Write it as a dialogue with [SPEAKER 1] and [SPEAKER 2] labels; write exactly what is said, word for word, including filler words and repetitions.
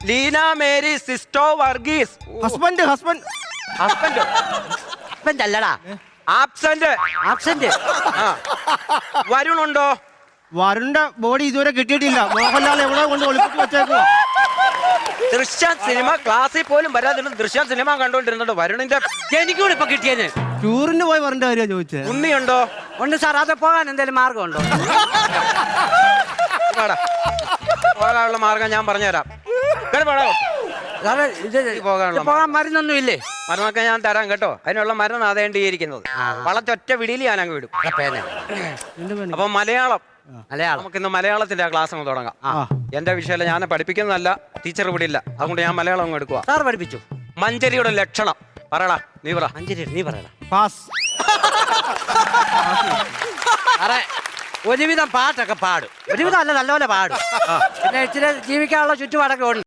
[SPEAKER 1] Leena Mary സിസ്റ്റോ Varghese.
[SPEAKER 2] Husband husband
[SPEAKER 1] husband
[SPEAKER 3] husband അല്ലടാ,
[SPEAKER 1] absent.
[SPEAKER 3] Absent.
[SPEAKER 1] വരുണുണ്ടോ?
[SPEAKER 2] വരുണിന്റെ ബോഡി ഇതുവരെ കിട്ടിയിട്ടില്ല. മോഹൻലാൽ എവിടെ കൊണ്ട് ഒളിപ്പിച്ച് വെച്ചേക്കുവാ.
[SPEAKER 1] ദൃശ്യ സിനിമ ക്ലാസ്സിൽ പോലും വരാതിരുന്ന ദൃശ്യ സിനിമ കണ്ടോണ്ടിരുന്നുണ്ട്. വരുണിന്റെ
[SPEAKER 3] എനിക്കൂടെ ഇപ്പൊ കിട്ടിയത്.
[SPEAKER 2] ടൂറിന് പോയി വരേണ്ട കാര്യം ചോദിച്ചത്.
[SPEAKER 1] ഉണ്ണിയുണ്ടോ?
[SPEAKER 3] ഉണ്ട് സാർ, അത് പോകാൻ എന്തെങ്കിലും മാർഗമുണ്ടോ?
[SPEAKER 1] പോകാനുള്ള മാർഗം ഞാൻ പറഞ്ഞുതരാം.
[SPEAKER 3] സാറേ ഇത്
[SPEAKER 1] പോകാനുള്ള
[SPEAKER 3] പോകാൻ മരുന്നൊന്നും ഇല്ലേ?
[SPEAKER 1] മരുന്നൊക്കെ ഞാൻ തരാം കേട്ടോ. അതിനുള്ള മരുന്ന് അതേണ്ടിയിരിക്കുന്നത്. വളച്ചൊറ്റ വിടിയിൽ ഞാൻ അങ്ങ് വിടും. അപ്പൊ മലയാളം
[SPEAKER 3] മലയാളം
[SPEAKER 1] നമുക്കിന്ന് മലയാളത്തിന്റെ ആ ക്ലാസ് അങ്ങ് തുടങ്ങാം. എന്റെ വിഷയം ഞാൻ പഠിപ്പിക്കുന്നതല്ല, ടീച്ചർ വിടില്ല. അതുകൊണ്ട് ഞാൻ മലയാളം അങ്ങ് എടുക്കുക.
[SPEAKER 3] സാർ പഠിപ്പിച്ചു.
[SPEAKER 1] മഞ്ചരിയുടെ ലക്ഷണം പറയടാ. നീ പറ.
[SPEAKER 3] മഞ്ചേരി നീ പറയടാ.
[SPEAKER 2] പാസ്.
[SPEAKER 3] സാറേ ഒരുവിധം പാട്ടൊക്കെ പാടും, ഒരുവിധം അല്ല നല്ലപോലെ പാടും. പിന്നെ ഇച്ചിരി ജീവിക്കാനുള്ള ചുറ്റുപാടൊക്കെ ഉണ്ട്.